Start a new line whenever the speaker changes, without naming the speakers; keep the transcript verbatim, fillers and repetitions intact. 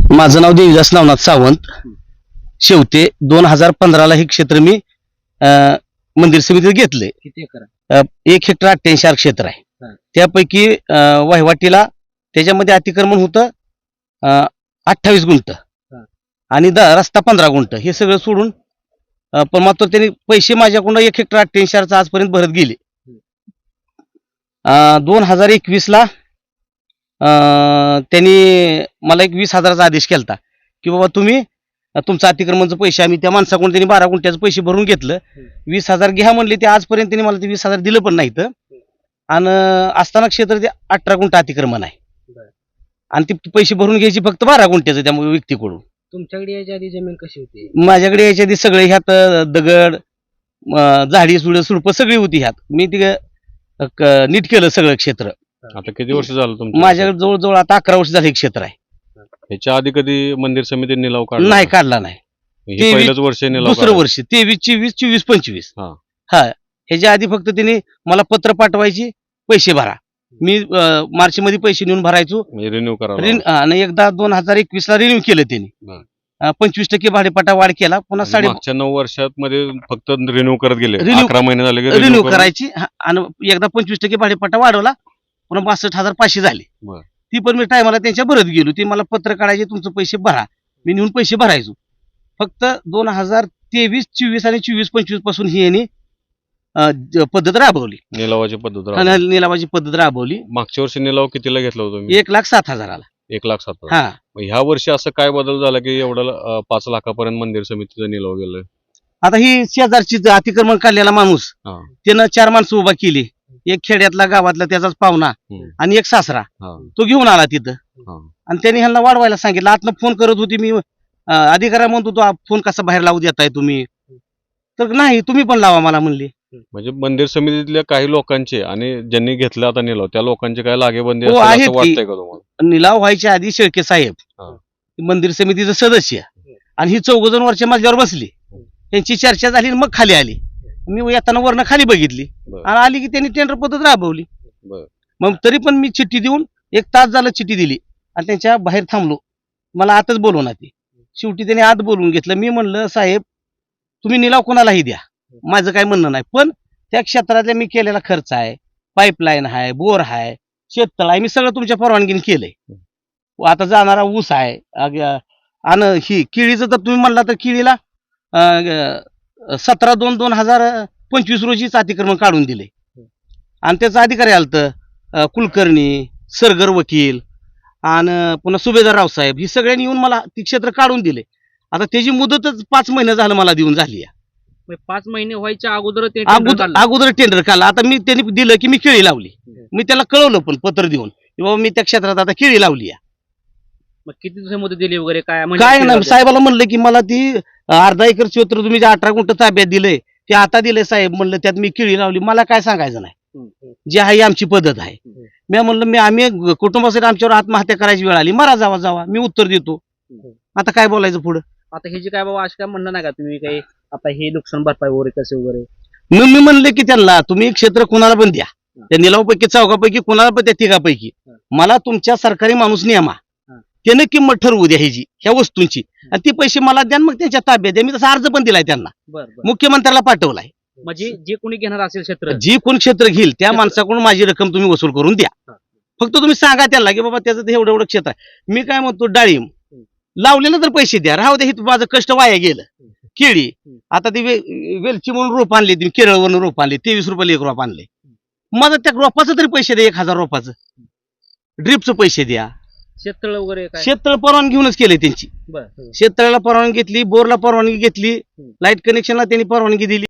माझं नाव देवीदास नवनाथ सावंत. शेवते दोन हजार पंधराला हे क्षेत्र मी अं, मंदिर समितीत घेतले.
किती एकर
अं, एक हेक्टर अठ्ठ्याऐंशी आर क्षेत्र आहे.
हा.
त्यापैकी अं, वहिवाटीला त्याच्यामध्ये अतिक्रमण होतं अं, अठ्ठावीस गुंठ
हा.
आणि द रस्ता पंधरा गुंठ. हे सगळं सोडून अं, पण मात्र त्यांनी पैसे माझ्याकडून एक हेक्टर अठ्ठ्याऐंशी आरचा आजपर्यंत भरत गेले. दोन हजार एकवीस ला अं, त्यांनी मला एक वीस हजाराचा आदेश केलता की बाबा तुम्ही अं, तुमचं अतिक्रमणचं पैसे आम्ही त्या माणसाकडून त्यांनी बारा गुंठ्याचं पैसे भरून घेतलं. वीस हजार घ्या म्हणले. ते आजपर्यंत त्यांनी मला ते वीस हजार दिलं पण नाहीत. आणि असताना क्षेत्र ते अठरा गुंठ अतिक्रमण आहे
बरं.
आणि ते पैसे भरून घ्यायची फक्त बारा गुंठ्याचं त्यामुळे व्यक्तीकडून.
तुमच्याकडे याच्या आधी जमीन कशी होती?
माझ्याकडे याच्या आधी सगळे ह्यात अं, दगड अं, झाडी सुड सुडप सगळी होती ह्यात. मी ते अं, क- नीट केलं सगळं क्षेत्र.
आता किती वर्ष झालं तुमचं?
माझ्याकडे जवळजवळ आता अकरा वर्ष झाले हे क्षेत्र आहे.
ह्याच्या आधी कधी मंदिर समितीने निलाव काढला?
नाही काढला नाही.
हे
तेवीस-
पहिलंच वर्ष निलाव
दुसरं
काढला.
वर्ष तेवीस चोवीस चोवीस पंचवीस
हा.
हा ह्याच्या आधी फक्त त्यांनी मला पत्र पाठवायची पैसे भरा. मी अं, मार्च मध्ये पैसे नेऊन भरायचो.
म्हणजे रिन्यू करावा.
रिन- आणि एकदा दोन हजार एकवीस ला रिन्यू केलं त्यांनी.
बरं.
अं, पंचवीस टक्के भाडेपट्टा वाढ केला. पुन्हा
आणि
साडे
मागच्या नऊ वर्षात मध्ये फक्त रिन्यू करत गेले.
Renew-
अकरा महिने झाले की
रिन्यू
renew करून-
करायची. हा, आणि एकदा पंचवीस टक्के भाडेपट्टा वाढवला. पुन्हा बासष्ट हजार पाचशे झाले.
बरं.
ती पण मी टायमाला त्यांच्या भरत गेलो. ती मला पत्र काढायचे तुमचे पैसे भरा. मी नेऊन पैसे भरायचो. फक्त दोन हजार तेवीस चोवीस आणि चोवीस पंचवीस पासून ही यांनी अं, ज- पद्धत राबवली.
निलावाची पद्धत राहते.
आणि निलावाची पद्धत राबवली.
मागच्या वर्षी निलाव कितीला घेतला होता तुम्ही?
एक लाख सात हजाराला.
एक लाख सात हजार.
हा
मग ह्या वर्षी असं काय बदल झाला की एवढं अं, पाच लाखापर्यंत मंदिर समितीचा निलाव गेलाय?
आता ही शेजारची ज- अतिक्रमण काढलेला माणूस
हा.
त्यानं चार माणसं उभा केली. एक खेड्यातला गावातला त्याचाच पाहुणा
हम्म.
आणि एक सासरा.
हा.
तो घेऊन आला तिथं
हा.
आणि त्यांनी ह्यांना वाढवायला सांगितलं. आतनं फोन करत होती मी अं, अधिकाऱ्या म्हणतो तो फोन कसा बाहेर लावू देताय तुम्ही. तर नाही तुम्ही पण लावा मला म्हणली.
म्हणजे मंदिर समितीतल्या काही लोकांचे आणि ज्यांनी घेतला आता निलाव त्या लोकांचे काय लागेबंदी
हो,
असेल
आहेत
असं
की.
वाटतंय का तुम्हाला?
निलाव व्हायच्या आधी शेळके साहेब
हा.
मंदिर समितीचं सदस्य आणि ही चौघ जण वरच्या मजल्यावर बसली. त्यांची चर्चा झाली आणि मग खाली आली. मी येताना वरनं खाली बघितली
बरं.
आणि आली की त्यांनी टेंडर पद्धत राबवली.
बरं.
मग तरी पण मी चिठ्ठी देऊन एक तास झालं चिठ्ठी दिली आणि त्यांच्या बाहेर थांबलो. मला आतच बोलवणार ते. शेवटी त्यांनी आत बोलवून घेतलं. मी म्हणलं साहेब तुम्ही निलाव कोणालाही द्या, माझं काय म्हणणं नाही, पण त्या क्षेत्रातल्या मी केलेला खर्च आहे, पाईपलाईन आहे, बोर आहे, शेततळ आहे, मी सगळं तुमच्या परवानगीने केलंय. आता जाणारा ऊस आहे अग- आणि ही केळीचं तर तुम्ही म्हणला तर केळीला अं, सतरा दोन दोन हजार पंचवीस रोजीच अतिक्रमण काढून दिले आणि त्याचा अधिकारी आलत कुलकर्णी, सरगर वकील आणि पुन्हा सुभेदार रावसाहेब, ही सगळ्यांनी येऊन मला ती क्षेत्र काढून दिले. आता त्याची मुदतच पाच महिने झालं मला देऊन झाली आहे.
म्हणजे पाच महिने व्हायच्या अगोदर ते tender
अगोदर
काढलं.
अगोदर टेंडर काढला. आता मी त्यांनी दिलं की मी केळी लावली. मी त्याला कळवलं पण पत्र देऊन की बाबा मी त्या क्षेत्रात आता केळी लावली आहे.
मग किती दिवस मुदत दिली वगैरे काय म्हणजे
काय
किती
नाही
दिवस?
साहेबाला म्हणलं की मला ती अं, अर्धा एकर क्षेत्र तुम्ही जे अठरा गुंठ ताब्यात दिलंय ते आता दिलंय साहेब. म्हणलं त्यात मी केळी लावली, मला काय सांगायचं नाही,
हम्म, हम्म.
जी आहे ही आमची पद्धत आहे. मी म्हणलं मी आम्ही कुटुंबासाठी आमच्यावर आत्महत्या करायची वेळ आली, मारा जावा जावा, मी उत्तर देतो. आता काय बोलायचं पुढं.
आता हे जे काय बाबा असं काय म्हणणं नाही का तुम्ही काही आता हे नुकसान भरपाई वगैरे कसे वगैरे?
मग मी म्हणले की त्यांना तुम्ही क्षेत्र कोणाला पण द्या, त्या निलावपैकी चौघापैकी कोणाला पण त्या तिघापैकी, मला तुमच्या सरकारी माणूस नियमा त्यानं किंमत ठरवू द्या ह्याची ह्या वस्तूंची आणि ती पैसे मला द्या, मग त्यांच्या ताब्यात द्या. मी तसा अर्ज पण दिलाय त्यांना,
बरं बरं.
मुख्यमंत्र्याला पाठवलाय.
म्हणजे जे कोणी घेणार असेल क्षेत्र
जी कोण क्षेत्र घेईल त्या माणसाकडून माझी रक्कम तुम्ही वसूल करून द्या. फक्त तुम्ही सांगा त्याला की बाबा त्याचं ते एवढं एवढं क्षेत्र आहे. मी काय म्हणतो डाळिंब लावलेलं तर पैसे द्या, राहू द्या, हे माझं कष्ट वाया गेलं. केळी आता ती वे- वेलची म्हणून रोप आणली, ती केरळवरून रोप आणले, तेवीस रुपयाला एक रोप आणले. माझं त्या रोपाचं तरी पैसे द्या, एक हजार रोपाचं ड्रिपचं पैसे द्या.
शेततळ वगैरे काय?
शेततळ परवानगी घेऊनच केले त्यांची.
बरं.
शेततळ्याला परवानगी घेतली, बोरला परवानगी घेतली, लाईट कनेक्शनला त्यांनी परवानगी दिली.